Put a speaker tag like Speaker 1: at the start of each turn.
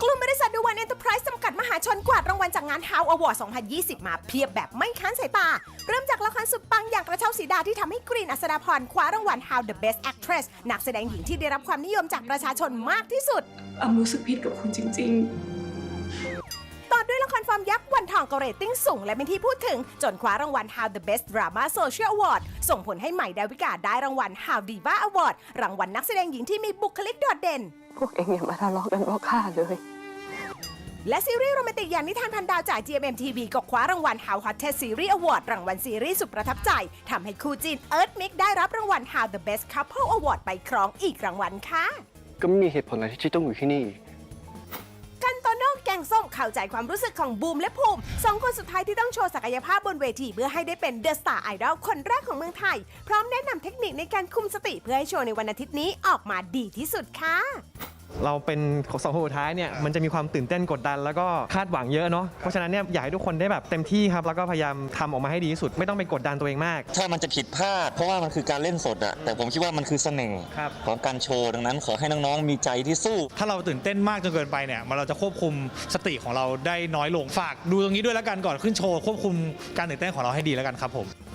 Speaker 1: ลุ่มบริษัทดูวันเอ็นเตอร์ไพรส์จำกัดมหาชนกวาดรางวัลจากงาน How Award 2020 มาเพียบแบบไม่ค้านสายตา เริ่มจากละครสุดปังอย่างกระเช้าสีดาที่ทำให้กรีนอัศดาพรคว้ารางวัล How the Best Actress นักแสดงหญิงที่ได้รับความนิยมจากประชาชนมากที่สุด
Speaker 2: รู้สึกผิดกับคุณจริง
Speaker 1: ต่อด้วยละครฟอร์มยักษ์วันทองก็เรตติ้งสูงและเป็นที่พูดถึงจนคว้ารางวัล How the Best Drama Social Award ส่งผลให้ใหม่ดาวิกาได้รางวัล How Diva Award รางวัลนักแสดงหญิงที่มีบุคลิกโดดเด่น
Speaker 3: พวกเองอย่ามาทะเลาะกันเพราะข้าเลย
Speaker 1: และซีรีส์โรแมนติกอย่างนิทานพันดาวจาก GMM TV ก็คว้ารางวัล How Hottest Series Award รางวัลซีรีส์สุดประทับใจทำให้คู่จีนเอิร์ธมิกได้รับรางวัล How the Best Couple Award ไปครองอีกรางวัลค่ะ
Speaker 4: ก็ไม่มีเหตุผลอะไรที่ต้องอยู่ที่นี่
Speaker 1: กันโตโน่แกงส้มเข้าใจความรู้สึกของบูมและภูมิสองคนสุดท้ายที่ต้องโชว์ศักยภาพบนเวทีเพื่อให้ได้เป็นเดอะสตาร์ไอดอลคนแรกของเมืองไทย พร้อมแนะนำเทคนิคในการคุมสติเพื่อให้โชว์ในวันอาทิตย์นี้ออกมาดีที่สุดค่ะ
Speaker 5: เราเป็นของสองคนสุดท้ายเนี่ยมันจะมีความตื่นเต้นกดดันแล้วก็คาดหวังเยอะเนาะเพราะฉะนั้นเนี่ยอยากให้ทุกคนได้แบบเต็มที่ครับแล้วก็พยายามทำออกมาให้ดีที่สุดไม่ต้องไปกดดันตัวเองมาก
Speaker 6: ถ้ามันจะผิดพลาดเพราะว่ามันคือการเล่นสดอะแต่ผมคิดว่ามันคือเสน่ห์
Speaker 5: ครับ
Speaker 6: ของการโชว์ดังนั้นขอให้น้องๆมีใจที่สู้
Speaker 7: ถ้าเราตื่นเต้นมากจนเกินไปเนี่ยเราจะควบคุมสติของเราได้น้อยลงฝากดูตรงนี้ด้วยแล้วกันก่อนขึ้นโชว์ควบคุมการตื่นเต้นของเราให้ดีแล้วกันครับผม